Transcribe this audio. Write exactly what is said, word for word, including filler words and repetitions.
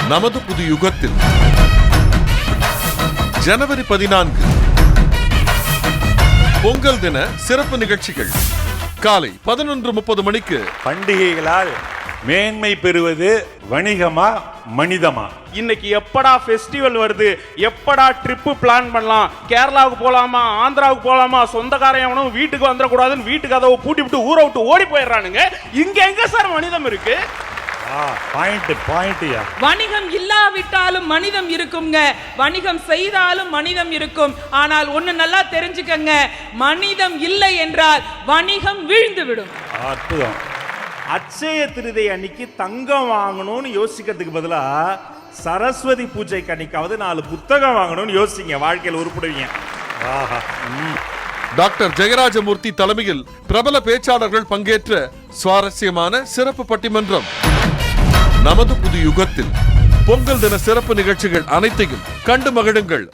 நமது புது யுகத்தில் ஜனவரி பதினான்கு பொங்கல் தின சிறப்பு நிகழ்ச்சிகள் காலை பதினொன்று முப்பது மணிக்கு. பண்டிகைகளால் மேன்மை பெறுவது வணிகமா மனிதமா? இன்னைக்கு எப்படா ஃபெஸ்டிவல் வருது, எப்படா ட்ரிப்பு பிளான் பண்ணலாம், கேரளாவுக்கு போலாமா, ஆந்திராவுக்கு போலாமா, சொந்தக்காரன் எவனும் வீட்டுக்கு வந்துடக்கூடாதுன்னு வீட்டுக்கு கதவை பூட்டி விட்டு ஊரை விட்டு ஓடி போயிடுறானுங்க. இங்க எங்க சார் மனிதம் இருக்கு? பாயிண்ட் பாயிண்ட்யா. வணிகம் இல்லாவிட்டாலும் மனிதம் இருக்குங்க, வணிகம் செய்தாலும் மனிதம் இருக்கும். ஆனால் ஒண்ணு நல்லா தெரிஞ்சுக்கங்க, மனிதம் இல்லை என்றால் வணிகம் வீழ்ந்து விடும். அற்புதம். அட்சய திருதை அன்னைக்கு தங்கம் வாங்கணும்னு யோசிக்கிறதுக்கு பதிலா சரஸ்வதி பூஜைக்கு அன்னைக்காவது நாலு புத்தகம் வாங்கணும்னு யோசிங்க, வாழ்க்கையில் உருப்படுவீங்க. டாக்டர் ஜெயராஜமூர்த்தி தலைமையில் பிரபல பேச்சாளர்கள் பங்கேற்ற சுவாரஸ்யமான சிறப்பு பட்டிமன்றம். நமது புது யுகத்தில் பொங்கல் தின சிறப்பு நிகழ்ச்சிகள் அனைத்தையும் கண்டு மகிழுங்கள்.